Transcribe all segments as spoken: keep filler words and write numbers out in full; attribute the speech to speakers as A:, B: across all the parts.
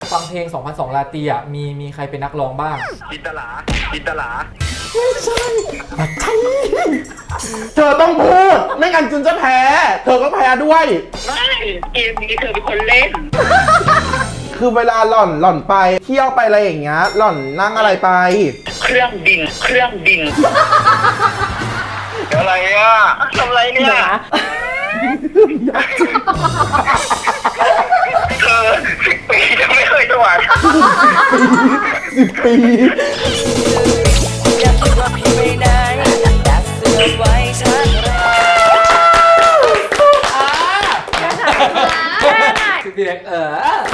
A: ฟังเพลง สองพันสอง ลาตรีอ่ะมีมีใครเป็นนักร้องบ้าง
B: จินตลาจินตลา
C: ไม่ใช่ใช่เธอต้องพูดไม่งั้นจุนจะแพ้เธอก็แพ้ด้วย
B: ไม่เกมนี้เธอเป็นคนเล่น
C: คือเวลาหล่อนหล่อนไปเที่ยวไปอะไรอย่างเงี้ยหล่อนนั่งอะไรไป
B: เครื่องบินเครื่องบินอะไรอ่ะทำอะไรเนี่ยเธอสิบปีจะไม่เคยถวาย
C: สิบปี
D: อยากคิดว่าพี่ไม่ได้ดักเสื้อไว้ชักแร
A: คือพี่เล็กเออ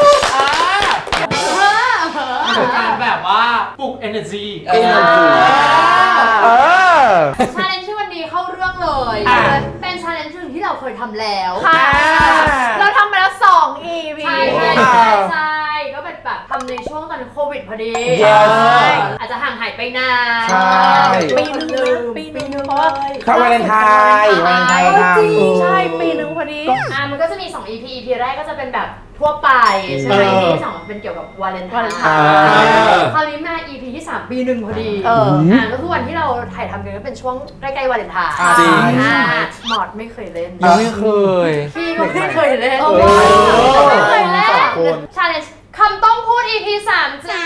A: คือการแบบว่าปลุก energy
C: เออ
E: ชาเลนจ์ที่วันนี้เข้าเรื่องเลยเป็นชาเลนจ์หนึ่งที่เราเคยทำแล้ว
F: เราทำมาแล้วสอง อี พี
E: ใช่ใช่ใช่ใช่ก็เป็นแบบทำในช่วงตอนโควิดพอดีอาจจะห่างหายไปนาน
F: ปีนึงปีนึงเพราะว่า
C: เข้าวาเลนไทน์วาเลนไทน์ทำ
F: ใช่ปีนึงพอดี
E: อ่ามันก็จะมีสอง อี พี อี พี แรกก็จะเป็นแบบทั่วไปใช่ไหม อี พี ที่สองเป็นเกี่ยวกับวาเลนไทน์คราวนี้มา อี พี ที่สามปีหนึ่งพอดีอ่าก็คือวันที่เราถ่ายทำกันก็เป็นช่วงใกล้ๆวาเลนไทน์
A: จริง
E: หมอดไม่เคยเล่น
A: ยังไม่เคย
E: พี่ก็ไม่เคยเล่นไม่เคยเล่นชาเลนจ์คำต้องพูด อี พี สามจ้า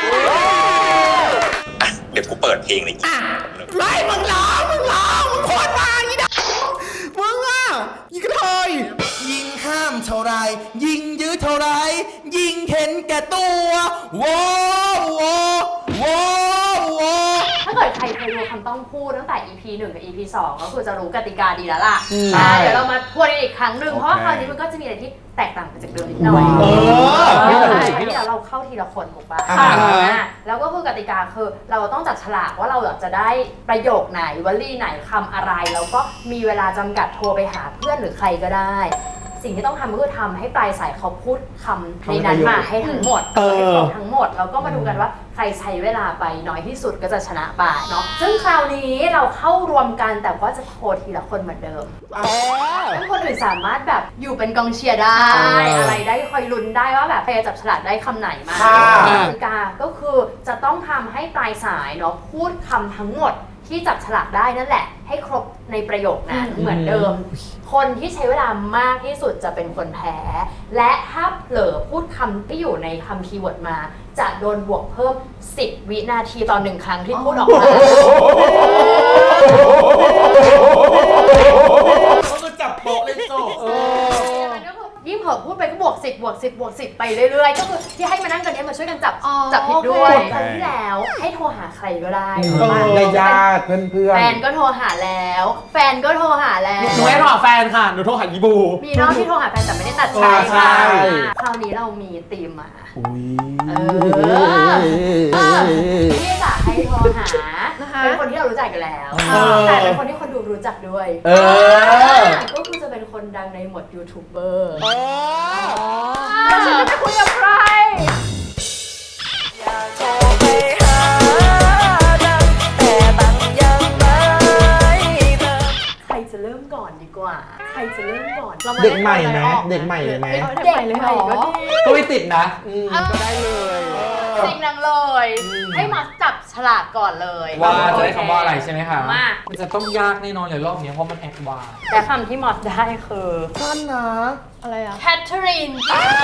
B: เดี๋ยวกูเปิดเพลงเลย
C: ไล่มึงร้องมึงร้องมึงโคตรมาอีดมึงอ่ะยิงกระเทยยิงห้ามเท่าไรยิงยื้อเท่าไรยิงเห็นแก่ตัวโว้โว้โว้โว้
E: ถ้าเกิดใครเคยดูคำต้องพูดตั้งแต่ อี พี หนึ่ง กับ อี พี สองก็คือจะรู้กติกาดีแล้วล่ะเดี๋ยวเรามาทวนอีกครั้งหนึ่งเพราะว่าคราวนี้มันก็จะมีอะไรที่แตกต่างไปจากเดิมนิดหน่อยเดี๋ยวเราเข้าทีละคนถูกป่ะแล้วก็คือกติกาคือเราต้องจัดฉลากว่าเราอยากจะได้ประโยคไหนวลีไหนคำอะไรแล้วก็มีเวลาจำกัดโทรไปหาเพื่อนหรือใครก็ได้สิ่งที่ต้องทำก็คือทำให้ปลายสายเขาพูดคำในนั้นมาให้ทั้งหมดให้ครบทั้งหมดแล้วก็มาดูกันว่าใครใช้เวลาไปน้อยที่สุดก็จะชนะไปเนาะซึ่งคราวนี้เราเข้ารวมกันแต่ว่าจะโทรทีละคนเหมือนเดิมซึ่งคนอื่นสามารถแบบอยู่เป็นกองเชียร์ได้อะไรได้คอยลุ้นได้ว่าแบบใครจะจับฉลากได้คำไหนมากติกาก็คือจะต้องทำให้ปลายสายเนาะพูดคำทั้งหมดที่จับฉลากได้นั่นแหละให้ครบในประโยคนั้นเหมือนเดิมคนที่ใช้เวลามากที่สุดจะเป็นคนแพ้และถ้าเผลอพูดคำที่อยู่ในคำคีย์เวิร์ดมาจะโดนบวกเพิ่มสิบวินาทีต่อหนึ่งครั้งที่พูดออกมา
C: เขาก็จับโป๊ะเลยโซ่
E: ยิ่งเผลอพูดไปก็บวกสิบบวกสิบบวกสิบไปเรื่อยๆก็คือที่ให้มานั่งกันนี้มาช่วยกันจับจับผิดด้วยครั้งที่แล้วให้โทรหาใครก็ได้
C: ในญาติเพื่อนๆ
E: แฟนก็โทรหาแล้วแฟนก็โทรหาแล้ว
A: หนูไม่โทรหาแฟนค่ะหนูโทรหาอีบู
E: มีน้องที่โทรหาแฟนแต่ไม่ได้ตัดสายค่ะคราวนี้เรามีธีมมาที่จะให้โทรหาเป็นคนที่เรารู้จักกันแล้วแต่เป็นคนที่คนดูรู้จักด้วยก็คือจะเป็นคนดังในหมวดยูทูบเบอร์
F: แล้วฉันจะไปคุยกับใคร
D: อยากโทรไปหาดังแต่บังยังไม่เธอ
E: ใครจะเริ่มก่อนดีกว่าใครจะเริ่มก่อน
C: เด็กใหม่ไหมเด็กใหม่เลยไหม
E: เด็กใหม่เลยก็ดี
A: ก็ไม่ติดนะ
C: ก็ได้เลย
E: สิ่งนั้นเลยให้มาจับฉลากก่อนเลย
A: ว่าจะได้คำว่าอะไรใช่ไหมคะมันจะต้องยากแน่นอนเลยรอบนี้เพราะมันแอดวานซ์
E: แต่คำที่มอสได้คือ
C: สั้นนะ
E: อะไรอะแคทเธอรีน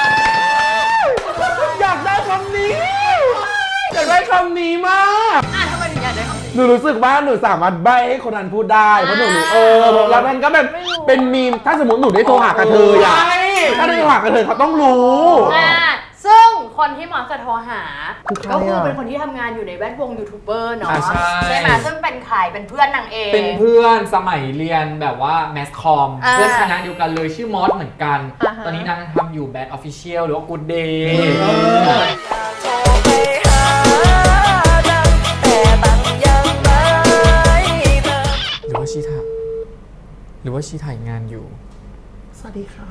C: อยากได้คำนี้อยากได้คำนี้มาก
E: อ่ะทำไมถึงอยากได้คำนี้
C: หนูรู้สึกว่าหนูสามารถใบ้ให้คนนั้นพูดได้เพราะหนูเออแล้วนั่นก็แบบเป็นมีมถ้าสมมติหนูได้โทรหากระเทยอะถ้าได้โทรหากระเทยเขาต้องรู้
E: ซึ่งคนที่มอสจะโทรหาก็คือเป็นคนที่ทำงานอยู่ในแวดวงยูทูบเบอร์เนาะใช่ไหมซึ่งเป็นใครเป็นเพื่อนนางเอง
A: เป็นเพื่อนสมัยเรียนแบบว่าแมสคอมเพื่อนคณะเดียวกันเลยชื่อมอสเหมือนกันตอนนี้นางทำอยู่แบดออฟฟิเชียลหรือว่ากูดเดย์หรือว่าชีถ่ายหรือว่าชีถ่ายงานอยู่
C: สวัสดีค่ะ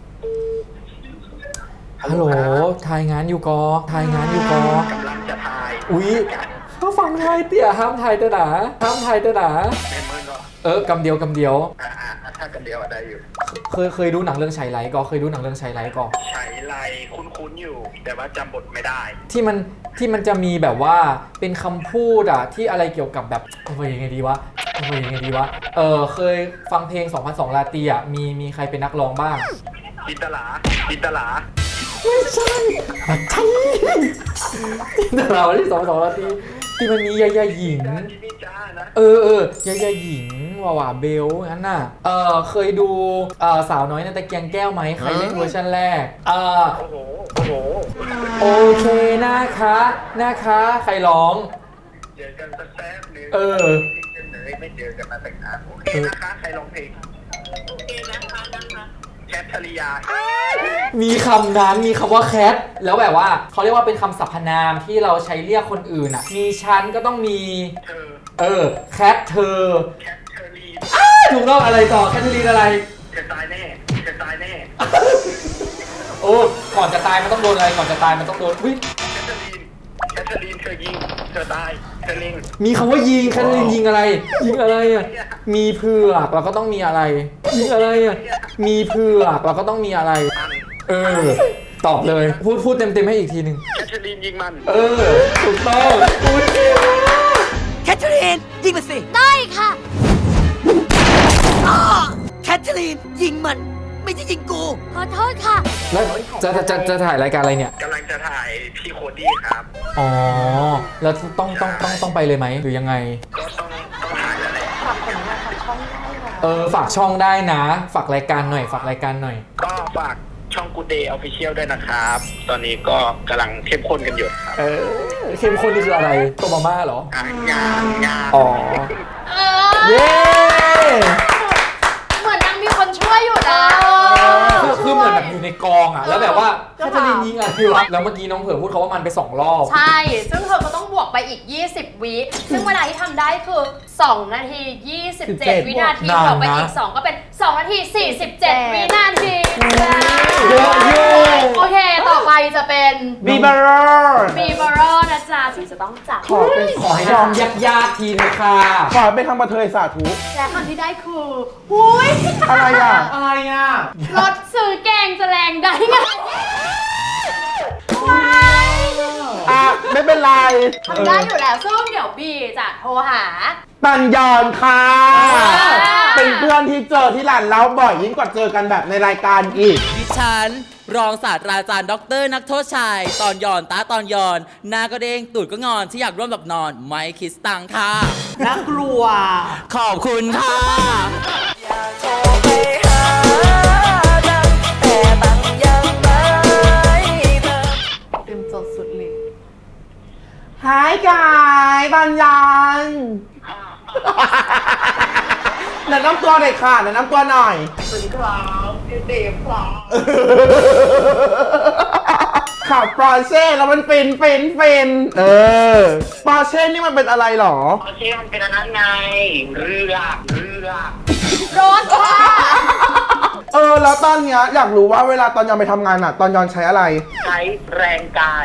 A: ฮัลโหลถ่ายงานอยู่กอถ่ายงานอยู่กอก
B: ำลังจะถ่าย
A: อุ๊ยเขาฟังไทยเตี่ยห้ามถ่ายเต๋อหนาห้ามถ่ายเต๋อหนาเออกำเดียวกำเดียว
B: ถ้ากันเดียวอะได้อยู่
A: เคยเคยดูหนังเรื่องชัยไลท์ก็เคยดูหนังเรื่องชัยไลท์ก็
B: ใช้ไรคุ้นๆอยู่ แต่ว่าจำบทไม่ได้
A: ที่มันที่มันจะมีแบบว่าเป็นคำพูดอะที่อะไรเกี่ยวกับแบบเฮ้ยยังไงดีวะเฮ้ยยังไงดีวะเออเคยฟังเพลงสองพันสองราตรีอะมีมีใครเป็นนักร้องบ้าง
B: จินตลาจินตลา
A: ใช่แต่เราที่สองพันสองราตรีที่มันมียายาหญิง
B: จินนี่จ้านะ
A: เออเออยายาหญิงวาวาเบลงั้นน่ะเออเคยดูเออสาวน้อยในตะเกียงแก้วไหมใครเล่นเวอร์ชันแรกเออ
B: โอ้โห โอ้โห
A: โอเคนะคะนะคะใครร้อง
B: เจอกันสักแป๊บนึง
A: เออ
B: ไม่เจอกันมาตั้งนานโอเคนะคะ ใครร้องเพลงโอเคนะคะนะคะแคทธริยา
A: มีคำนั้นมีคำว่าแคทแล้วแบบว่าเขาเรียกว่าเป็นคำสรรพนามที่เราใช้เรียกคนอื่นอ่ะมีฉันก็ต้องมี
B: เธอ
A: เออแคทเธอ
B: แคทเธอรีน
A: ถูกต้องอะไรต่อแคทเธอรีนอะไร
B: เธอตายแน่เธอตายแน่
A: โอ้ก่อนจะตายมันต้องโดนอะไรก่อนจะตายมันต้องโดนวิ
B: แคทเธอรีนแคทเธอรีนเธอยิงเธอตายเธอลิง
A: มีคำว่ายิงแคทเธอรีนยิงอะไรยิงอะไรอ่ะมีเผือกเราก็ต้องมีอะไรยิงอะไรอ่ะมีเผือกเราก็ต้องมีอะไร
B: มัน
A: เออตอบเลยพูดพูดเต็มเต็มๆให้อีกทีหนึ่ง
B: แคทเธอรีนยิงมัน
A: เออถูกต้องพูด
D: แคทเธอรีนยิงมันสิ
G: ได้ค่ะ
D: อ้อแคทเธอรีนยิงมัน ไม่ใช่ยิงกู
G: ขอโทษค่ะ
A: แล้วจะจะจะจะถ่ายรายการอะไรเนี่ย
B: กำลังจะถ่ายพี่โคดี้ครับ
A: อ๋อ แล้วต้องต้องต้องต้องไปเลยไหมหรือยังไง
B: ก็ต้องต้องถ่ายแล้วแหละ
F: ฝากผลงานฝากช่องได้ค่ะ
A: เออ ฝากช่องได้นะ ฝากรายการหน่อย ฝากรายการหน่อย
B: ก็ฝากช่อง Good Day Official ด้วยนะครับ ตอนนี้ก็กำลังเข้มข้นกันอยู่ครับ
A: เออ เข้มข้นนี่คืออะไรต้มมาม่าเหรอ
B: อ่ะงานงาน
A: อ๋อ
E: เออ
A: เย้
E: เหมือนยังมีคนช่วยอยู่นะ
A: คือคือเหมือนแบบอยู่ในกองอ่ะ แล้วแบบว่าแคทเธอรีนยิงอะไรวะ แล้วเมื่อกี้น้องเผือพูดเขาว่ามันไปสองรอบ
E: ใช่ ซึ่งเธอก็ต้องบวกไปอีก ยี่สิบ วิ ซึ่งเวลาที่ทำได้คือ สอง นาที ยี่สิบเจ็ด วินาที
A: นานนะ
E: บวกไปอีก สอง ก็เป็น สอง นาที สี่สิบเจ็ด วินาที
A: เยอะอยู่
E: โอเค ต่อไปจะเป็น
C: บีบาร์
E: บีบารอนะจ๊ะที่จะต้องจับ
C: ขอเป็น
A: ขอให้ทำยากๆทีนะค่ะ
C: ขอเป็นทำมาเทยสาธุ
E: และคำที่ได้คือหุย
C: อะไรอ่ะ
A: อะไรอ่ะ
E: รถซื้อแกงจะแรงได้ไง
C: อ่ะ ไม่เป็นไร
E: ทำได้อยู่แล้ว ซึ่งเดี๋ยวบีจะโทรหา
C: ปัญญอนค่ะ
E: อ่า
C: เป็นเพื่อนที่เจอที่ร้านเล้าบ่อยยิ่งกว่าเจอกันแบบในรายการอีก
D: ดิฉัน รองศาสตราจารย์ด็อกเตอร์นักโทษชาย ตอนหย่อนตาตอนหย่อน หน้าก็เด้งตูดก็งอนที่อยากร่วมแบบนอน ไม่คิดตังค่ะ
F: น่ากลัว
D: ขอบคุณค่ะ อยากโทรไปหาดังแต่ตังยังไม่เธอ
F: เต็มจดสุดเลย
C: หายกายปัญญอนแนะนำตัวหน่อยค่ะแนะนำตัวหน่อย
B: สวัสดีครับพี่เดฟครับ
C: ขับปอร์เช่แล้วมันฟินฟินฟินเออปอร์เช่นี่มันเป็นอะไรหรอ
B: โอเคมันเป็นอันนั้นไง เรือเรือ
E: รถค่ะ
C: เออ แล้วตอนเนี้ยอยากรู้ว่าเวลาตอนยอนไปทำงานอะตอนยอนใช้อะไร
B: ใช้แรงกาย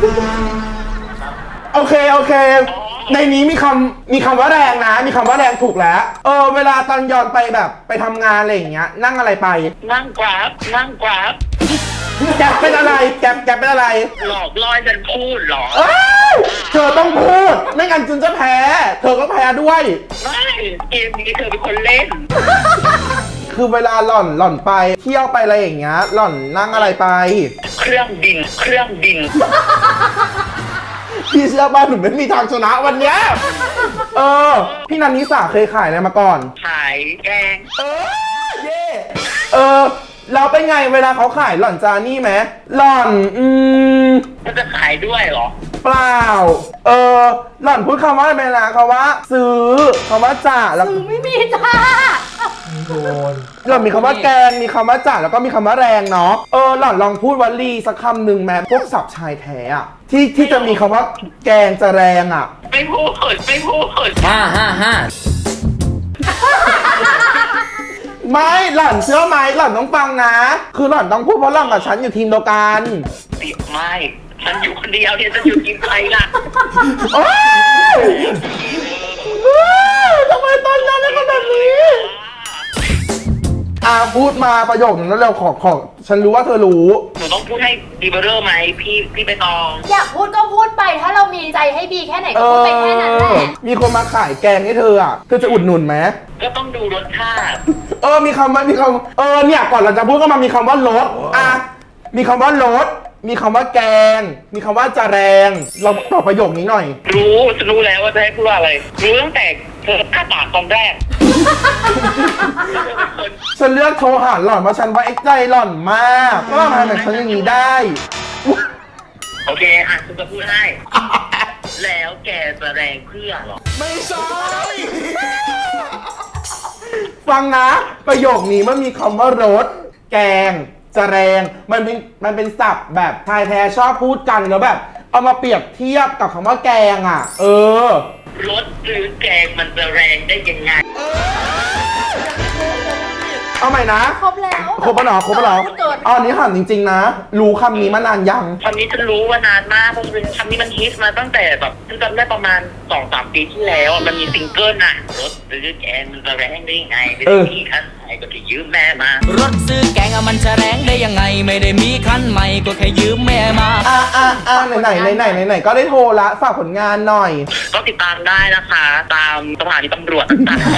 C: โอเค โอเค ในนี้มีคำมีคำว่าแรงนะ มีคำว่าแรงถูกแล้ว เออ เวลาตอนยอนไปแบบไปทำงานอะไรอย่างเงี้ย นั่งอะไรไป
B: นั่งกราฟนั่งกราฟ
C: แกปเป็นอะไร แกปแกปเป็นอะไร
B: หลอกล่อฉันพูดเหรอ
C: เอ้ยเธอต้องพูด ไม่งั้นจุนจะแพ้ เธอก็แพ้ด้วย
B: ไม่เกมนี้เธอเป็นคนเล่น
C: คือเวลาหล่อนหล่อนไปเที่ยวไปอะไรอย่างเงี้ย หล่อนนั่งอะไรไป
B: เครื่องบิน เครื่องบิน
C: พี่เชื่อป่ะหนูไม่มีทางชนะวันเนี้ย เออ พี่นันนิสาเคยขายอะไรมาก่อน
B: ขายแกง
C: เออ เย่เออ เราเป็นไงเวลาเขาขายหล่อนจานี่ไหมหล่อน อืม
B: มันจะขายด้วยเหรอ
C: เปล่า เออ หล่อนพูดคำว่าอะไรไปนะคำว่า ซื้อคำว่าจ่าแล้ว
E: ซื้อไม่มีจ้า
A: โดน
C: หล่อนมีคำว่าแกง มีคำว่าจ่าแล้วก็มีคำว่าแรงเนาะ เออ หล่อนลองพูดวลีสักคำหนึ่งแม้พวกศัพท์ชายแท้อะที่ที่จะมีคำว่าแกงจะแรงอะ
B: ไม่พูด ไม่พูด
A: ห้าห้าห้า
C: ไม่หล่อนเชื่อไหมหล่อนต้องฟังนะ คือหล่อนต้องพูดเพราะหล่อนกับฉันอยู่ทีมเดียวกัน
B: ติดไม่ ฉันอยู่คนเดียวเนี่ยจะอยู่กินใครล่ะ
C: โอ๊ยเฮ้ยทำไมตอนนั้นได้ขนาดนี้อ่ะพูดมาประโยคนึงแล้วเร็วขอขอฉันรู้ว่าเธอรู้
B: หนูต้องพูดให้ดีเบอร์เรอร์ไหมพี่พี่ไปตอง
E: อยากพูดก็พูดไปถ้าเรามีใจให้บีแค่ไหนก็พูดไปแค่นั้นแหละ
C: มีคนมาขายแกงให้เธออ่ะ เธอจะอุดหนุนไหม
B: ก็ต้องดูรสชาติ
C: เออ มีคำว่ามีคำเออ เนี่ยก่อนเราจะพูดก็มามีคำว่ารสอ่ะ มีคำว่ารสมีคำว่าแกง มีคำว่าจะแรง เราตอบประโยคนี้หน่อย
B: รู้ฉันรู้แล้วว่าจะให้พูดว่าอะไร รู้ตั้งแต่เธออ้าปากตอนแรก
C: ฉันเลือกโทรหาหล่อนเพราะฉันว่าไอ้ใจหล่อนมากว่าทำไมแบบฉันอย่างนี้ได้
B: โอเคอ่ะฉันจะพูดให้ แล้วแกจะแรงเพื่อหรอ
C: ไม่ใช่ ฟังนะ ประโยคนี้มันมีคำว่ารสแกง จะแรง มันเป็นมันเป็นศัพท์แบบชายแท้ชอบพูดกันแล้วแบบ เอามาเปรียบเทียบกับคำว่าแกงอ่ะ เออ
B: รสหรือแกงมันจะแรงได้ยังไง
C: เอาใหม่นะ
F: ครบแล้ว
C: ครบปะหนอครบปะหนอ
F: พูดเกิน
C: อ๋ออันนี้ถามจริง ๆ นะ รู้คำนี้มานานยัง
B: คำนี้ฉันรู้ว่านานมากเพราะมันเป็นคำนี้มันฮิตมาตั้งแต่แบบฉันจำได้ประมาณสองสามปีที่แล้วอะมันมีซิงเกิลน่ะรถหรือแกงมันจะแรงได้ยังไงไม่
C: เอ
B: ได้
C: อ
B: มีคันไหนก็ไปยืมแม่มา
D: รถซื้อแกงอะมันจะแรงได้ยังไง ไม่ได้มีคันใหม่ก็แค่ยืมแม่มา
C: อ่ะอ่ะอ่ะไหนไหนไหนไหนไหนๆก็ได้โทรละฝากผลงานหน่อย
B: ก็ติดตามได้นะคะ ตามสถานีตำรวจต่างๆ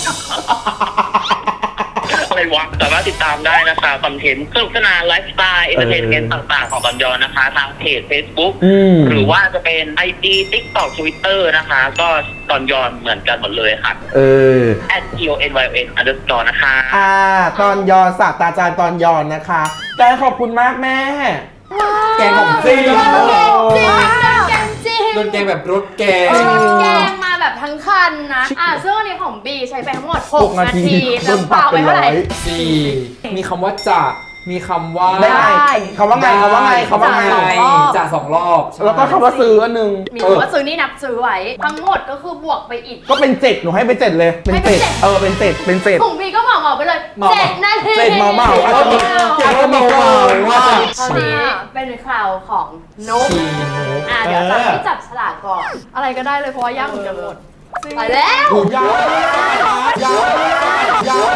B: อะไรวะสามารถติดตามได้นะคะคอนเทนต์สนุกสนานไลฟ์สไตล์เอนเตอร์เทนเมนต์ต่างๆ ของตอนยอนนะคะ ทางเพจ Facebook
C: อืม
B: หรือว่าจะเป็น ไอ จี TikTok Twitter นะคะ ก็ตอนยอนเหมือนกันหมดเลยค่ะ
C: เออ
B: แอท ที โอ เอ็น วาย โอ เอ็น underscore นะคะ
C: อ่า ตอนยอนศาสตราจารย์ตอนยอนนะคะแต่ขอบคุณมากแม่
A: แกงของจริง
E: จริงแกงจริง
A: โดนแกงแบบรสแกง
E: เออแกงมาแบบทั้งคันนะ อ่ะซึ่งอันนี้ของบีใช้ไปทั้งหมด หก นาที
C: โดน
E: น้ำ
C: ป
E: เป
C: รั
E: ล่า
C: บ
E: ไป
C: เป็น
E: เท่า
C: ร้
E: ไห
C: อ
E: ร่
C: ย
A: สี่ มีคำว่าจะมีคำว่า
C: ได้ไงคำว่าไงคำว่าไงคำว่าไง
A: จะจะสองรอบใช่
C: แล้วก็คำว่าซื้ออันหนึ่ง
E: มี
C: เออ
E: คำว่าซื้อนี่นับซื้อไว้ ทั้งหมดก็คือบวกไปอีก
C: ก็เป็นเจ็ดหนูให้ไปเจ็ดเลย เป็น
E: ให้เป็
C: เจ็
E: น
C: ด
E: เจ็ด
C: เออ เป็นเจ็ดเป็นเจ็ด
E: ของบีก็เหมาเหมาไปเลยเจ็ดนาที
C: เจ็ดเหมาเหมาอาจจะมีเจ็ดก็เหมาเหมาว่า
E: ตอนนี้เป็นคราวของนุ๊ก
A: ชีนุก
E: อ่ะเดี๋ยวจะให้จับฉลากก่อน
F: อะไรก็ได้เลยเพราะว่ายากเหมือนกันหมด
E: ไปแล้ว
C: ยาวยาวยา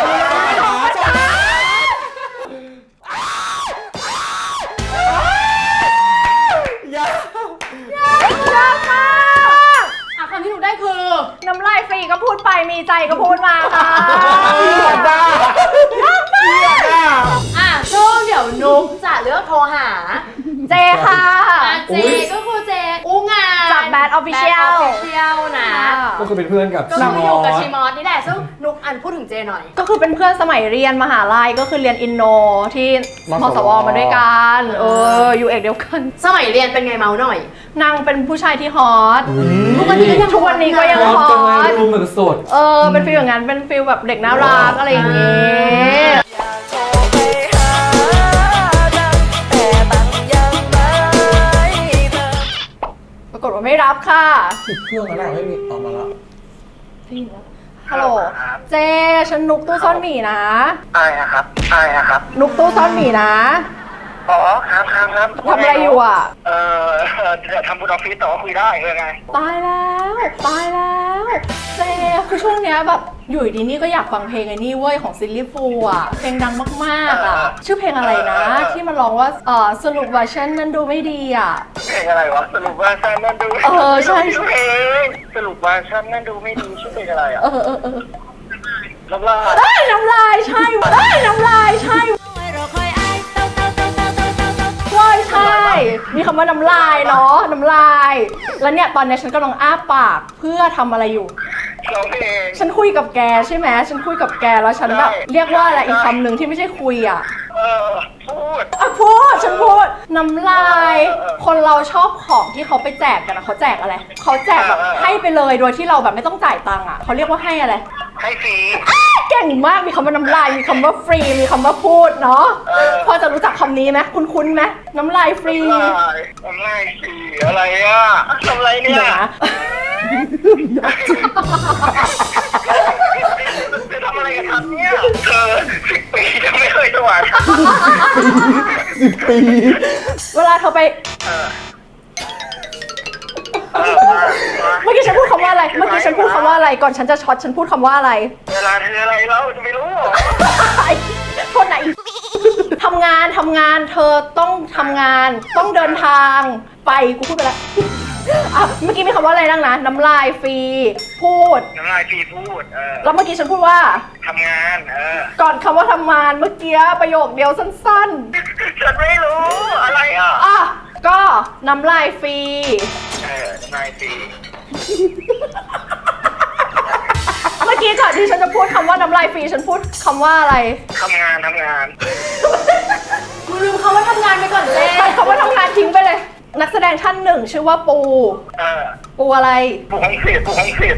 C: วยาวย
F: ากมาก
E: อ่ะคำที่หนูได้คือ
F: น้ำลายฟรีก็พูดไป มีใจก็พูดมาค่ะ
C: เกียดอ่ะเกียดอ่ะ
E: อ่ะซึ่งเดี๋ยวนุ๊กจะเลือกโทรหา
F: เจค่ะ
E: อ่ะเจก็คือเจอู้งาน
F: จาก Bad Official
E: Bad Official นะ
A: ก็คือเป็นเพื่อนกับ
E: ก็
A: ชิ
E: คือ
A: ม
E: อยู่
A: อ
E: กับ
A: ส
E: ชิมอสนี่แหละซึ่งนุ๊กอันพูดถึงเจหน่อย
F: ก็คือเป็นเพื่อนสมัยเรียนมหาลัยก็คือเรียนอินโนที่มสวมาด้วยกัน เออ อยู่เอกเดียวกัน
E: สมัยเรียนเป็นไงเมาหน่อย
F: นางเป็นผู้ชายที่ฮอต
E: ทุกวันนี้ก็ยัง
F: ทุกวันนี้ก็ยัง
A: พร้อม
F: ฮ
A: จัง
F: อ
A: เลย
F: ต
A: รูมแบบสด
F: เออ เป็นฟิลอย่างนั้น เป็นฟิลแบบเด็กน่ารักอะไรอย่างงี้
D: โทรไปหาดังแต่ตังยังไม่เธอ
F: ปรากฏว่าไม่รับค่ะ
C: เครื่องอะไรไม่มีออกมาแล้ว
F: ฮัลโหล เจ ฉันนุกตู้ซ่อนหมีนะ
B: ใช่ครับใช่ครับ
F: นุกตู้ซ่อนหมีนะ
B: อ๋อครับครับครับ
F: ทำอะไรอยู่อ่ะ
B: เออจะทำบุญออฟฟิศแต่ว่าคุยได้เออไง
F: ตายแล้ว ตายแล้ว เจ คือช่วงเนี้ยแบบอยู่ดีนี่ก็อยากฟังเพลงไอ้นี่เว้ยของซิลลี่ฟูอ่ะ เพลงดังมากๆอ่ะ ชื่อเพลงอะไรนะ ที่มันร้องว่าเออสรุปว่าฉันนั้นดูไม่ดีอ่ะ
B: เพลงอะไรวะสรุปว่าฉันนั่นดู
F: เออใช่
B: ชื่อเพลงสรุปว่าฉันนั่นดูไม่ดีชื่อเพลงอะไรอ่ะ
F: เออเออเออ
B: น้ำลาย
F: เอ้ยน้ำลายใช่เอ้ยน้ำลายใช่ว้ายใช่ มีคำว่าน้ำลายเนาะ น้ำลาย แล้วเนี่ยตอนเนี้ยฉันกำลังอ้าปากเพื่อทำอะไรอยู่
B: ร้องเพลง
F: ฉันคุยกับแกใช่ไหมฉันคุยกับแกแล้วฉันแบบ
B: ใช่
F: เรียกว่าอะไรอีกคำหนึ่งที่ไม่ใช่คุยอ่ะ
B: เออพูด
F: อ่ะพูดฉันพูดน้ำลาย
B: เออเออ
F: คนเราชอบของที่เขาไปแจกกันอะเขาแจกอะไรเขาแจกแบบ
B: เออเออ
F: ให้ไปเลยโดยที่เราแบบไม่ต้องจ่ายตังค์อ่ะเขาเรียกว่าให้อะไร
B: ให้ฟรี
F: เก่งมากมีคำว่าน้ำลายมีคำว่าฟรีมีคำว่าพูดเนาะ
B: เออ
F: พอจะรู้จักคำนี้ไหมคุ้นๆไหมน้ำลายฟรี
B: น้ำลายน้ำลายฟรีอะไรอ่ะทำอะไรเนี่ย
F: เดี๋ยวนะ
B: จะทำอะไรกันครับเนี่ยเธอสิบปียังไม่เคยถวาย
C: สิบปี
F: เวลาเธอไป
B: เออเออมามา
F: เมื่อกี้ฉันพูดคำว่าอะไร เมื่อกี้ฉันพูดคำว่าอะไรก่อนฉันจะช็อตฉันพูดคำว่าอะไร
B: เวลาเธออะไรแล้วจะไม่รู้เหรอ
F: ไอ้โทษนะอี ทำงานทำงานเธอต้องทำงานต้องเดินทางไปกูพูดไปแล้ว อ่ะเมื่อกี้มีคำว่าอะไรนั่งนะน้ำลายฟรีพูด
B: น้ำลายฟรีพูดเออ
F: แล้วเมื่อกี้ฉันพูดว่า
B: ทำงานเออ
F: ก่อนคำว่าทำงานเมื่อกี้ประโยคเดียวสั้น
B: ฉันไม่รู้อะไรอ่ะ
F: ๆอ่ะก็น้ำลายฟรี
B: เออน้ำลายฟรี
F: เมื่อกี้ก่อนที่ฉันจะพูดคำว่าน้ำลายฟรีฉันพูดคำว่าอะไร
B: ทำงานทำงาน
E: กูลืมคำว่าทำงานไปก่อนเจ๊
F: ตัดคำว่าทำงานทิ้งไปเลย นักแสดงท่านหนึ่งชื่อว่าปู
B: เออ
F: ปูอะไร
B: ผู้ของเสียผู้ของเสีย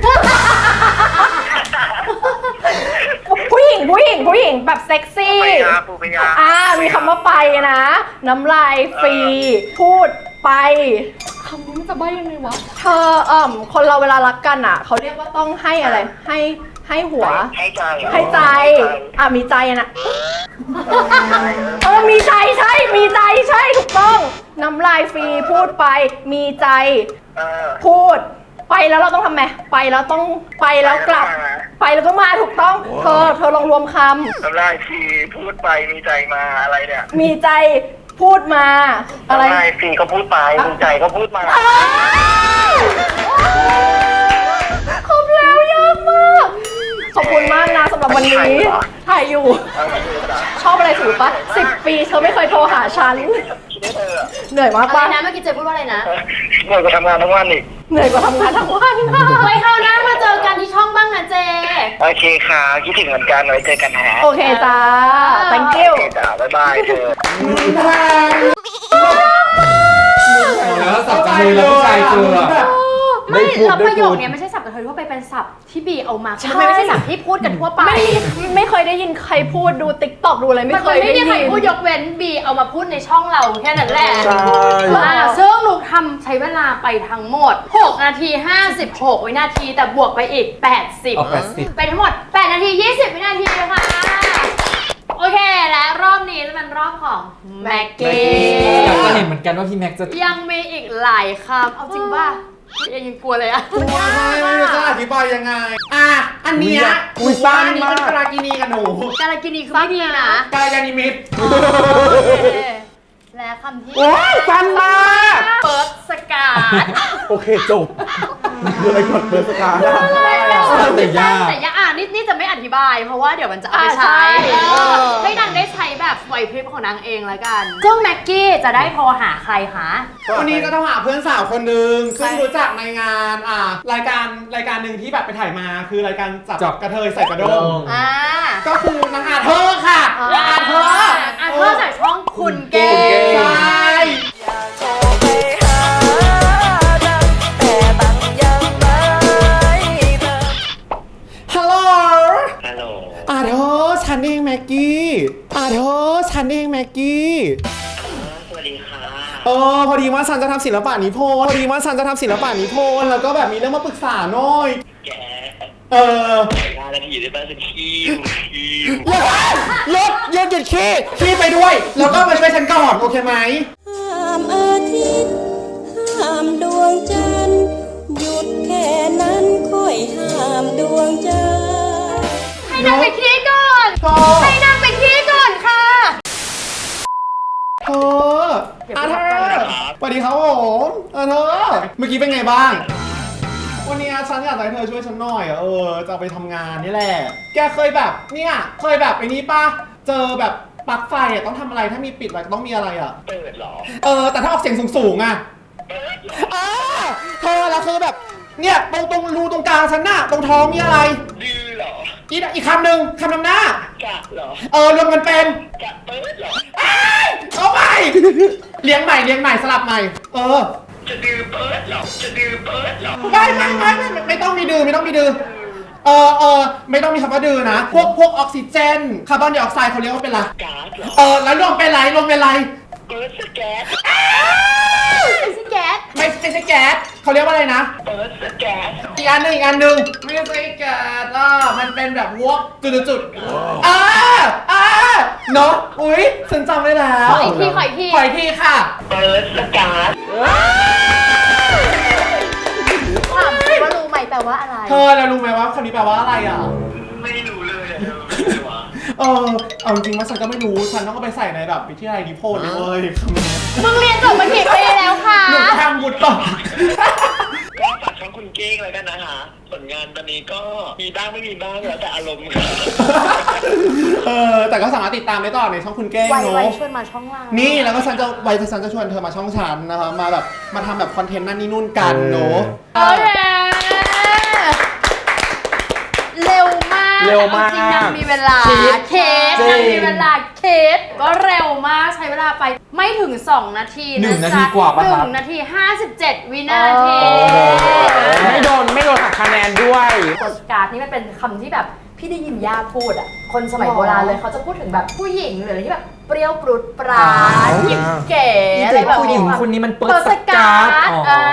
F: ผู้หญิงผู้หญิงผู้หญิงแบบเซ็กซี่
B: พยาผู้พยา
F: อ่ามีคำว่าไปนะ น้ำลายฟรีพูดไปคำนี้มันจะใบ้ยังไงวะเธอเอ่มคนเราเวลารักกันอ่ะเขาเรียกว่าต้องให้อะไรให้ให้หัว
B: ให้ใจ
F: ให้ใจอ่ะมีใจนะเออมีใจใช่มีใจใช่ถูกต้องน้ำลายฟรีพูดไปมีใจ
B: เออ
F: พูดไปแล้วเราต้องทำไงไปแล้วต้องไปแล้วกลับ ไปแล้วก็มาถูกต้องเธอเธอลองรวมค
B: น้ำลายฟรีพูดไปมีใจมาอะไรเนี่ย
F: ำมีใจพูดมาอะไร
B: น้ำลายฟรีก็พูดไปมีใจก็พูดมา
F: อ้าวครบแล้วยากมาก ขอบคุณมากนะสำหรับวันนี้ถ่ายอยู่ ชอบอะไรถือปะสิบปีเธอไม่เคยโทรหาฉัน
B: คิดได้เลยอ่ะ
F: เหนื่อยมาก
E: อะไร
F: ปะ
E: นะเมื่อกี้เจ๊พูดว่าอะไรนะ
B: เหนื่อยกว่าทำงานทั้งวันอีก
F: เหนื่อยกว่าทำงานทั้งวัน
E: ไว้คราวหน้ามาเจอกันที่ช่องบ้างนะเจ๊
B: โอเคค่ะคิดถึงเหมือนกันไว้เจอกันฮะ
F: โอเคจ้า thank you
B: โอเคจ้าบ๊ายบายเธอ
A: แล้วสับจมูกแล้วผู้ชายเจอ
E: ไม่แล้วประโยคเนี้ยไม่ใช่ศัพท์กระเทยทั่วไปเป็นศัพท์ที่บีเอามาคือมันไม่ใช่ศัพท์ที่พูดกันทั่วไป
F: ไม่ไม่เคยได้ยินใครพูดดูติ๊กต็อกดูอะไรไม่
E: มัน
F: เคย
E: ไม่
F: ได้
E: มี
F: ยิน
E: ใครพูดยกเว้นบีเอามาพูดในช่องเราแค่นั้นแหละ
C: ใช่
E: อ่าซึ่งลูกทำใช้เวลาไปทั้งหมดหกนาทีห้าสิบหกวินาทีแต่บวกไปอีกแปดสิบ
A: เอาแปดสิบ
E: ไปทั้งหมดแปดนาทียี่สิบวินาทีเลยค่ะโอเคและรอบนี้เป็นรอบของแม็กกี้
A: อยากจะเห็นเหมือนกันว่าพี่แม็กซ์จะ
E: ยังมีอีกหลายคำเอาจริงป่ะยังยังกลัวเลยอะ
C: ไม่รู้จะอธิบายยังไง อ่ะ อันเนี้ย
A: อุ๊ยสั้น
C: อันนี้
A: มาก
C: เป็นกรากินีกับหนู
E: การกินีคือไม่ดีนะ
C: กรากินีมิตร
E: โอเคและคำที่
C: โอ้ยสั้นมาก
E: เปิดสกาด
C: โอเคจบคืออะไรกดเปิดสตาร์ท
A: แต่ยาก
E: แต่ยากอ่ะนี่นี่จะไม่อธิบาย เพราะว่าเดี๋ยวมันจะเอาไป
F: อ่าใช่
E: ใช้เออให้นางได้ใช้แบบไหวพริบของนางเองแล้วกันซึ่งแม็กกี้จะได้โทรหาใครคะ
C: วันนี้ก็ต้องหาเพื่อนสาวคนหนึ่งซึ่งรู้จักในงานอ่ารายการรายการหนึ่งที่แบบไปถ่ายมาคือรายการจับ
A: จับ
C: กระเทยใส่กระด้ง
E: อ่า
C: ก็คือนางอาเธอร์ค่ะ
E: อ่า
C: อาเธอร์
E: อ่าเธอจากช่องคุณเก
A: คุณเก
E: ย์
C: ใช่
D: โทรไปหาดังแต่ตังยังไม่เติม
C: ฮัลโหล
B: ฮัลโหล
C: อาเธอร์ฉันเองแม็กกี้อาเธอร์ฉันเองแม็กกี้
B: สวัสดีค่ะ
C: เออพอดีว่าฉันจะทำศิลปะนิพนธ์พอดีว่าฉันจะทำศิลปะนิพนธ์แล้วก็แบบมีเรื่องมาปรึกษาหน่อย
B: แก
C: เออ
B: งานนาทีได้ป่ะสักคิวคิว
C: หยุดหยุดหยุดขี้ขี้ไปด้วย แล้วก็มาช่วยฉันก่อนโอเคไหม
G: ห้ามอาทิตย์ห้ามดวงจันทร์หยุดแค่นั้นค่อยห้ามดวงจันทร์
E: ให้นางไปขี้ก่อน
C: เธอ
E: ให้นางไปขี้ก่อนค่ะ
C: เธออาเธอร์สวัสดีครับผมอาเธอร์เมื่อกี้เป็นไงบ้าง วันนี้ฉันอยากให้เธอช่วยฉันหน่อยอะเออจะเอาไปทำงานนี่แหละ แกเคยแบบเนี่ยเคยแบบไอ้นี้ป่ะเจอแบบปลั๊กไฟอะต้องทำอะไรถ้ามีปิดอะไรต้องมีอะไรอะ
B: เปิดเหรอ
C: เออแต่ถ้าออกเสียงสูงๆอะเออเธอแล้วคือแบบเนี่ยตรงตรงรูตรงกลางฉันน่ะตรงท้องมีอะไร
B: ดื้อเหรอ
C: อีกอีกคำหนึ่งคำนำหน้า
B: กะเหรอ
C: เออรวมกันเป็น
B: กะเปิดเหรอ
C: เอ้ยเอาใหม่เลี้ยงใหม่เลี้ยงใหม่สลับใหม่ เออ
B: จะดื้อเปิดเหรอ จะดื้อเปิดเหรอ
C: ไม่ไม่ไม่ไม่ไม่ไม่ต้องมีดื้อไม่ต้องมีดื้อเออเออไม่ต้องมีคำว่าดื้อนะ พวกพวกออกซิเจนคาร์บอนไดออกไซด์เขาเรียกว่าเป็นอะไร
B: ก๊าซเหรอ
C: เออแล้วรวมเป็นไรรวมเป็นไร
B: เปิดสแก๊ส
E: ไม่ใช่แก๊ส
C: ไม่ไม่ใช่แก๊สเขาเรียกว่าอะไรนะ
B: เปิดสแก๊ส
C: อีกอันหนึ่งอีกอันหนึ่งไม่ใช่แก๊สอ่ะมันเป็นแบบวอกจุดจุดจุดๆอ่าอ่าเนาะอุ้ยฉันจำได้แล้ว
E: ขออีกทีขออีกที
C: ขออีกทีค่ะ
B: เปิดสแก๊ส
E: ถามว่ารู้ไหมแปลว่าอะไร
C: เธอแล้วรู้ไหมว่าคำนี้แปลว่าอะไรอ่ะ
B: ไม่รู้เลยอะไม่รู้วะ
C: เออเอาจริงๆว่าฉันก็ไม่รู้ฉันต้องเอาไปใส่ในแบบวิทยาลัยนิพนธ์เลยเว้ยคำนี้
E: มึงเรียนจบมากี่ปีแล้วคะ
C: หนูทำบุญต่อ
B: ก็ฝากช่องคุณเก้งเลยกันนะคะผลงานตอนนี้ก็มีบ้างไม่มีบ้างแล้วแต่อารมณ์ค่ะ
C: เออแต่ก็สามารถติดตามได้ต่อในช่องคุณเก้ง
E: ไว
C: เนาะ
E: ไวชวนมาช่องเรา
C: นี่แล้วก็ฉันจะไว้ฉันจะชวนเธอมาช่องฉันนะคะมาแบบมาทำแบบคอนเทนต์นั่นนี่นู่นกันเนาะ
E: โอเคเร็วมาก
A: เร็วมาก
E: จริงๆนางมีเวลา
A: คิด
E: เคส
A: จริง
E: นางมีเวลาเคสก็เร็วมากใช้เวลาไปไม่ถึงสองนาที
A: หนึ่ง
E: ะ
A: นา
E: จ๊ะ
A: ทีกว่าปะครับ
E: หนึ่งนาทีห้าสิบเจ็ดวินาที
H: ไม่โดนไม่โดนหักคะแนนด้วย
E: โปสการ์ดนี่มันเป็นคำที่แบบพี่ได้ยินย่าพูดอ่ะคนสมัยโบราณเลยเขาจะพูดถึงแบบผู้หญิงหรืออะไรที่แบบเปรี้ยวปรุดปราดหยิบเก๋อะไรแบบ
A: ผู้หญิงคนนี้มันเปิด
E: เปิด
A: ส
E: ส
A: กา
E: การ
A: ์ด
E: ์ด
A: อ๋อ
E: อ่า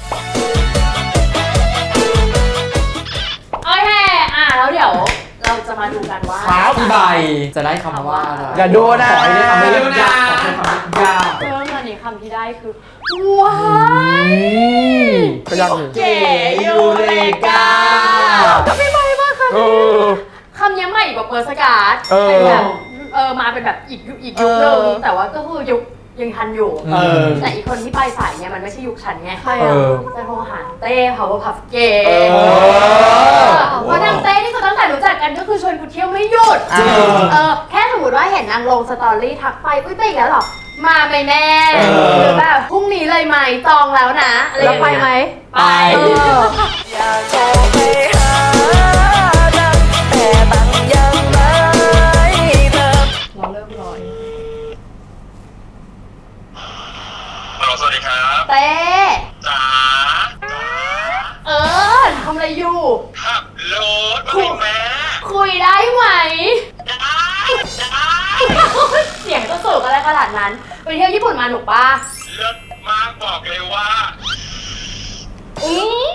E: โอเคอ่ะแล้วเดี๋ยวเราจะมาดูกันว่า
A: ครับพี่ใบจะได้คำว่าอะไร
H: อย่าดูนะ
A: ขอให้ได้คำไม่ยากขอให้คำไม่ยาก
E: เพิ่มอันนี้คำที่ได้คือว้าย
H: ก็ยังอยู่
E: เก๋ยูเลกาก็ไม่ใบมากค่ะ
H: เออ
E: คำนี้ใหม่กว่าเปิดสการ์ด
H: เออ
E: เป็นแบบเออมาเป็นแบบอีกยุคอีกยุคนึงแต่ว่าก็คือยุคยังทันอยู่
C: เออ
E: แต่อีกคนที่ไปสายเนี่ยมันไม่ใช่ยุคฉันไง
F: ใคร
A: เอ
F: อ่ะ
A: อ
E: จะโทรหาเต้ powerpuff เก๋
H: เออ
E: เพราะนางเต้นี่คือตั้งแต่รู้จักกันก็คือชวนกูเที่ยวไม่หยุด
C: จริง
E: เออแค่สมมติว่าเห็นนางลงสตอรี่ทักไปอุ้ยไปอีกแล้วเหรอมาไหมแม่
C: เออ
E: หรือแบบพรุ่งนี้เลยไหมจองแล้วนะอะไรอ
F: แล้ว
E: ย่าง
F: ไป
E: เงี้ย
F: ไหม
E: ไป
F: เออ
D: อยากโทรไปหาดังแต่ตังยังไม่เติม
F: เราเริ่มร้อย
B: สวัสดีครับ
E: เต้
B: จ๋า
E: เออทำอะไรอยู่
B: ขับรถมาเลยแม่
E: คุยได้ไหม
B: ได้ได้
E: เสียงจะสูงอะไรขนาดนั้นไปเที่ยวญี่ปุ่นมาหนุกปะ
B: เลิศมากบอกเลยว่า
E: อืม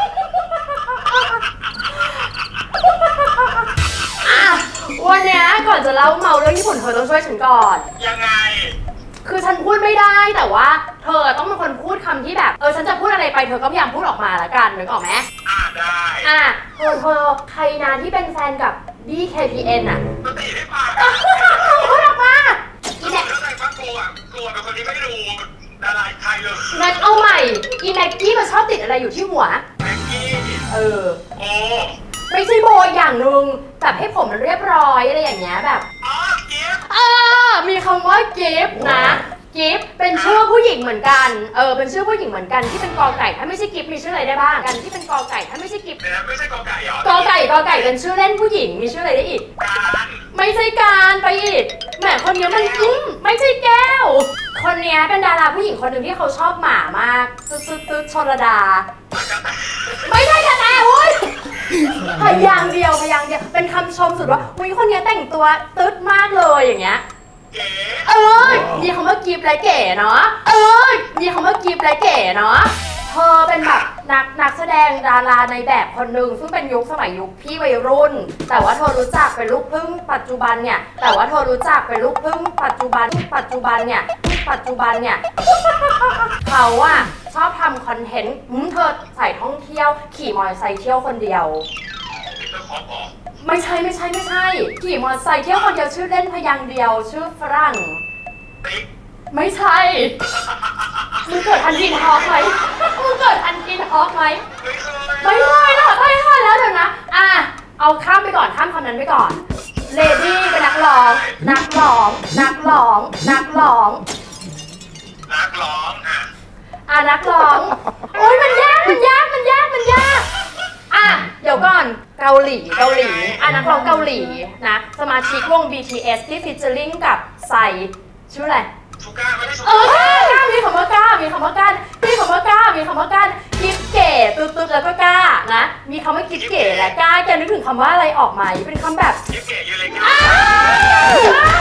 E: อ่ะวันเนี้ยก่อนจะเล่าเมาเรื่องญี่ปุ่นเธอต้องช่วยฉันก่อน
B: ยังไง
E: คือฉันพูดไม่ได้แต่ว่าเธอต้องเป็นคนพูดคำที่แบบเออฉันจะพูดอะไรไปเธอก็พยายามพูดออกมาละกันนึกออกไหม
B: อ่าได้
E: อ่ะเธอเธอใครนะที่เป็นแฟนกับ บี เค พี เอ็น อ่ะ
B: ก็ตีให้ปาก
E: พูดออกมาอี
B: บ
E: แม็
B: อก
E: ก
B: แล้วไงว่ากลัวกลัวเป็นคนที่ไม่ดูดาราไทยเลย
E: แม็กเอาใหม่อีแม็กกี้มันชอบติดอะไรอยู่ที่หัว
B: แม็กกี้
E: เออ
B: โอ้
E: ไม่ใช่โบอย่างหนึ่งแบบให้ผมมันเรียบร้อยอะไรอย่างเงี้ยแบบ
B: อ๋อเกียร์
E: เออมีคำว่ากิฟต์นะกิฟต์เป็นชื่อผู้หญิงเหมือนกันเออเป็นชื่อผู้หญิงเหมือนกันที่เป็นกอไก่ถ้าไม่ใช่กิฟต์มีชื่ออะไรได้บ้างกันที่เป็นกอไก่ถ้าไม่ใช่กิฟต์
B: เนี่ยไม่ใช่กอไก่เหรอก
E: อไก่กอไก่เป็นชื่อเล่นผู้หญิงมีชื่ออะไรได้อีก
B: การ
E: ไม่ใช่การไปอีกแหมคนเนี้ยมันอืมไม่ใช่แก้ว คนเนี้ยเป็นดาราผู้หญิงคนหนึ่งที่เขาชอบหมามากตึ๊ดตึ๊ดตึ๊ดชลดา ไม่ใช่กระแตเว้ยพยางค์เดียวพยางค์เดียวเป็นคำชมสุดว่าอุ้ยคนเนี้ยแต่งตัวตึ๊ดมากเลยอย่างเงี้ย
B: เก๋
E: เออมีคำว่ากิฟและเก๋เนาะเออมีคำว่ากิฟและเก๋เนาะเธอเป็นแบบนักนักแสดงดาราในแบบคนหนึ่งซึ่งเป็นยุคสมัยยุคพี่วัยรุ่น แต่ว่าเธอรู้จักเป็นลูกครึ่งปัจจุบันเนี่ยแต่ว่าเธอรู้จักเป็นลูกครึ่งปัจจุบันปัจจุบันเนี่ยปัจจุบันเนี่ยเขาอะชอบทำคอนเทนต์อืมเธอใส่ท่องเที่ยวขี่มอเตอร์ไซค์เที่ยวคนเดียว
B: เจ้าของบอก
E: ไม่ใช่ไม่ใช่ไม่ใช่ขี่มอเตอร์ไซค์เที่ยวคนเดียวชื่อเล่นพยางค์เดียวชื่อฝรั่ง
B: ติ๊ก
E: ไม่ใช่ มึงเกิดทันกินฮอกไหมมึงเกิดทันกินฮอกไหม
B: ไม่เคย
E: ไม่เคยหรอกไม่เคยแล้วเดี๋ยวนะ อ่ะ เอาข้ามไปก่อนข้ามคำนั้นไปก่อน เลดี้เป็นนักร้อง นักร้อง นักร้อง นักร้อง
B: นักร้องอ่ะ
E: อ่ะนักร้อง โอ๊ยมันยาก มันยาก มันยาก มันยาก อ่ะ เดี๋ยวก่อน เกาหลี เกาหลี อ่ะนักร้องเกาหลีนะ สมาชิกวง บี ที เอส ที่ฟีเจอริ่งกับไซชื่ออะไร
B: ชูก้าไม่ได้ชู
E: เออกล้ามีคำว่ากล้า มีคำว่ากล้ามีคำว่ากล้า มีคำว่ากล้ากิฟเก๋ตุ๊ดตุ๊ดแล้วก็กล้านะ มีคำว่ากิฟเก๋และกล้าแกนึกถึงคำว่าอะไรออกไหมเป็นคำแบบ
B: ยิปเก๋ยูเลยกัน
E: อ้าว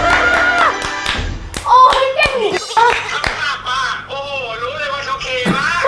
E: โอ้ยเก่ง
B: ทำภาพมาโอ้โหรู้เลยว่าโอเคมาก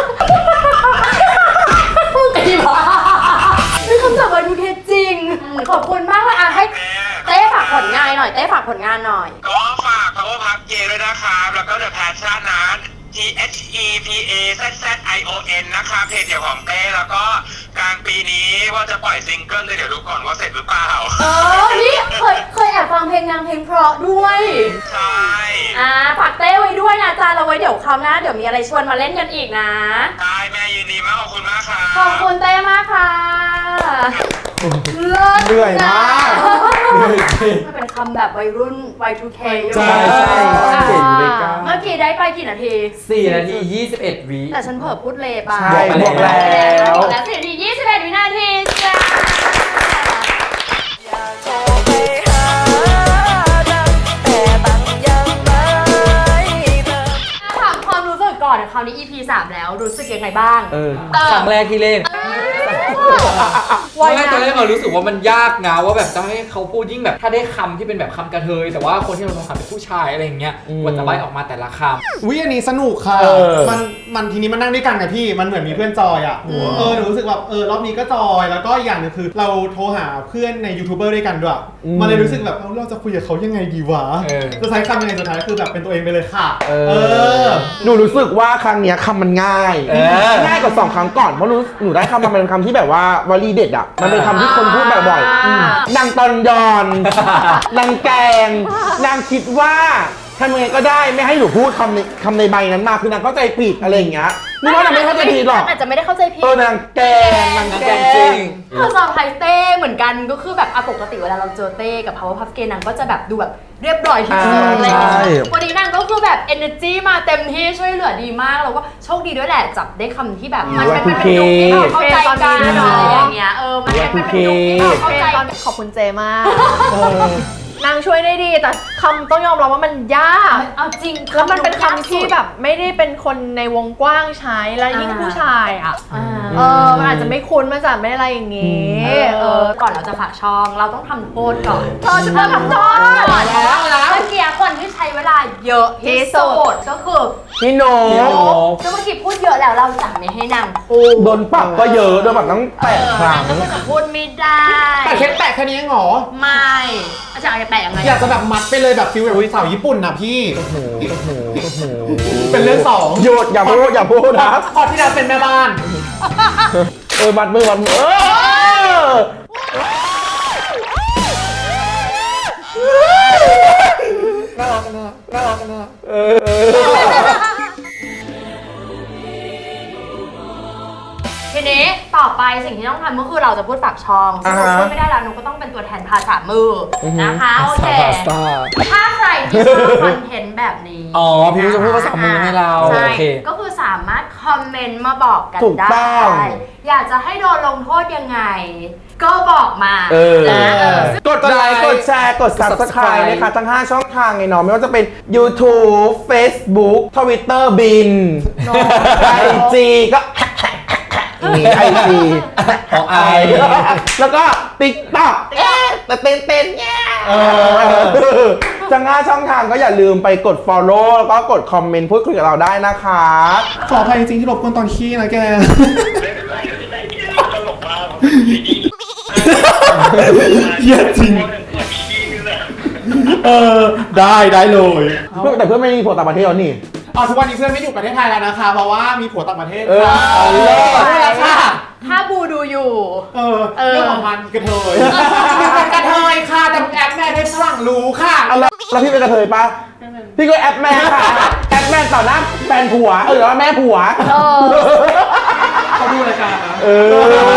E: ไอ้บ้าเป็นคำศัพท์วันดูเคจริง ขอบคุณมากเลยอ่ะให้เต้ฝากผลงานหน่อย เต้ฝากผลงานหน่อย
B: ก็ฝาก power park เจด้วยนะครับ แล้วก็ the passion นะ T H E P A Z Z I O N นะคะเพจเดี่ยวของเต้แล้วก็กลางปีนี้ว่าจะปล่อยซิงเกิลเลยเดี๋ยวดูก่อนว่าเสร็จหรือเปล่า
E: เออนี่เคยเคยแอบฟังเพลงนางเพลงเพราะด้วย
B: ใช่
E: อ่าฝากเต้ไว้ด้วยนะจ๊ะเราไว้เดี๋ยวคราวหน้าเดี๋ยวมีอะไรชวนมาเล่นกันอีกนะ
B: ใช่แม่ยินดีมากขอบคุณมากค่ะ
E: ขอบคุณเต้มากค่ะเลิศ
H: เหนื่อยมาก
E: มันเป็นคำแบบวัยรุ่น วาย ทู เค
H: ใช่ใช่เจ๋งเลยก้า
E: เมื่อกี้ได้ไปกี่นาที
A: สี่นาทียี่สิบเอ็ดวิ
E: แต่ฉันเผลอพูดเลไป
H: ใช่บวกแล้ว
E: บวกแล้วสี่นาทียี่สิบเอ็ดวินาทีจ้า
D: โทรไปหาดังแต่ตังยังไม่เติม
E: ถามความรู้สึกก่อนคราวนี้ อี พี สามแล้วรู้สึกยังไงบ้าง
A: เออ
E: เออ
A: ครั้งแรกที่เล่นไม่ตอนแรกเรารู้สึกว่ามันยากนะว่าแบบจะให้เขาพูดยิ่งแบบถ้าได้คำที่เป็นแบบคำกระเทยแต่ว่าคนที่เราต้องคำเป็นผู้ชายอะไรอย่างเงี้ยกว่าจะใบออกมาแต่ละคำ
I: วิอันนี้สนุกค่ะ
H: เออ
I: มันมันทีนี้มันนั่งด้วยกันไงพี่ มันเหมือนมีเพื่อนจอยอ่ะ เออหนูรู้สึกแบบเออรอบนี้ก็จอย แล้วก็อีกอย่างหนึงคือ เราโทรหาเพื่อนในยูทูบเบอร์ด้วยกันด้วย มันเลยรู้สึกแบบเอ้าเราจะคุยกับเขายังไงดีวะ
A: เออ
I: จะใช้คำยังไงสุดท้ายคือแบบเป็นตัวเองไปเลยค่ะ
H: เอ
I: เออ
H: หนูรู้สึกว่าครั้งเนี้ยคำมันง่าย
A: เออ
H: ง่ายกว่าสองครั้งก่อนเพราะรู้หนูได้คำมาเป็นคำที่แบบว่าวลีเด็ดอ่ะมันเป็นคำที่คนพูดบ่อยๆอืมนางตอนยอนนางแกงนางคิดว่าทำยังไงก็ได้ไม่ให้หนูพูดคำในคำในใบนั้นมาคือนางเข้าใจผิดอะไรอย่างเงี้ยนี่ว่านางไม่เข้าใจผิดหรอก
E: อาจจะไม่ได้เข้าใจผิด
H: เออนางแกงนาง
A: นาง
H: แก
A: แกง
H: ง
A: จริง
E: คือซอร์ไพรส์เต้เหมือนกันก็คือแบบอ่ะปกติเวลาเราเจอเต้กับ Powerpuff Girls นางก็จะแบบดูแบบเรียบร้อยที่สุด
H: อ่า
E: อะไรอย่างเงี้ย
H: ใช่
E: วันนี้นางก็คือแบบ energy มาเต็มที่ช่วยเหลือดีมากแล้วก็โชคดีด้วยแหละจับได้คำที่แบบมันเป็นประโยคที่เราเข้าใจกันอะไรอย่างเงี้ยเออมันเป็นประโยคที่เราเข้าใจกัน
F: ขอบคุณเจมากนางช่วยได้ดี แต่คำต้องยอมรับว่ามันยาก
E: เอาจริง
F: แล้วมันเป็นคำที่แบบไม่ได้เป็นคนในวงกว้างใช้ แล้วยิ่งผู้ชายอ่ะ
E: อ่า
F: เออ มันอาจจะไม่คุ้นมาจากไม่อะไรอย่างงี้
E: เออก่อนเราจะฝากช่องเราต้องทำโทษก่อน
F: เธอจะมาทำโทษ
E: ก่อนแล้วแล้วเมื่อกี้คนที่ใช้เวลาเยอะที่สุดก็คือ
H: พี่โน
E: ซึ่งเมื่อกี้พูดเยอะแล้วเราจะไม่ให้นางพูด
H: โดนปรับก็เยอะโดนปรับตั้งแปดครั้ง
E: นางก็จะพูดไม่ได้
I: แต่แค่แปะแค่นี้เองเหรอ
E: ไม่อาจารย์จะแปะยังไง
I: อยากจะแบบมัดไปเลยแบบฟิลแบบสาวญี่ปุ่นนะพี่ เป็นเรื่องสอง
H: หยุดอย่าพูดอย่าพูดนะ
I: พอที่เราเป็นแม่บ้าน
H: เออบัดมือบัดมือเออ
A: น่ารักนะน่ารักนะ
H: เออเออ
E: ทีนี้ต่อไปสิ่งที่ต้องทำก็คือเราจะพูดปากช่องซึ่งเราพูดไม่ได้แล้วหนูก็ต้องเป็นตัวแทนภาษามือนะคะโอเค
A: พาสต้า
E: ถ้าใครที่ชอบคอนเทนต์แบบนี้
A: อ๋อพี่นุ้ยจะพูดภาษามือให้เรา
E: ใช่
A: โอเค
E: ก็คือสามารถคอมเมนต์มาบอกกัน
H: ถูก
E: ได้
H: ต้อง
E: อยากจะให้โดนลงโทษยังไง ก็บอกมา
H: เออ
E: นะเออ
H: กดไลค์กดแชร์กด Subscribe นะคะทั้งห้าช่องทางไงเนาะไม่ว่าจะเป็น YouTube Facebook Twitter บิน ไอ จี ก็ ไอ จี
A: ของไอ
H: แล้วก็ TikTok เอ๊ะแต่เต้นเต้นเนี่ยทั้งห้าช่องทางก็อย่าลืมไปกด follow แล้วก็กดคอมเมนต์พูดคุยกับเราได้นะคะ
I: ขออภัยจริงๆที่รบกวนตอนขี้นะแก
B: ตลกมาก
I: เหี้ยจริง เออ ได้ได้เลย
H: แต่เพื่อนไม่มีผัวต่างประเทศแล้วนี่
I: อ๋อทุกวันนี้เพื่อนไม่อยู่ประเทศไทยแล้วนะคะ เพราะว่ามีผัวต่างประเทศ
H: เออ
I: ค่ะ
H: เอาเลย
I: ไม่แล้วค่ะ
E: ถ้าบูดูอยู่
I: เออ
E: เออ
I: เรื่องของมันกระเทยเป็นกระเทยค่ะแต่มึงแอปแม่ให้ฝรั่งรู้ค่ะ
H: เอาแล้วแล้วพี่เป็นกระเทยปะพี่ก็แอปแม่ค่ะ แอปแม่ต่อหน้าแฟนผัว เออหรือว่าแม่ผัว
E: เออ
I: เขาดูรายการนะ
H: เออ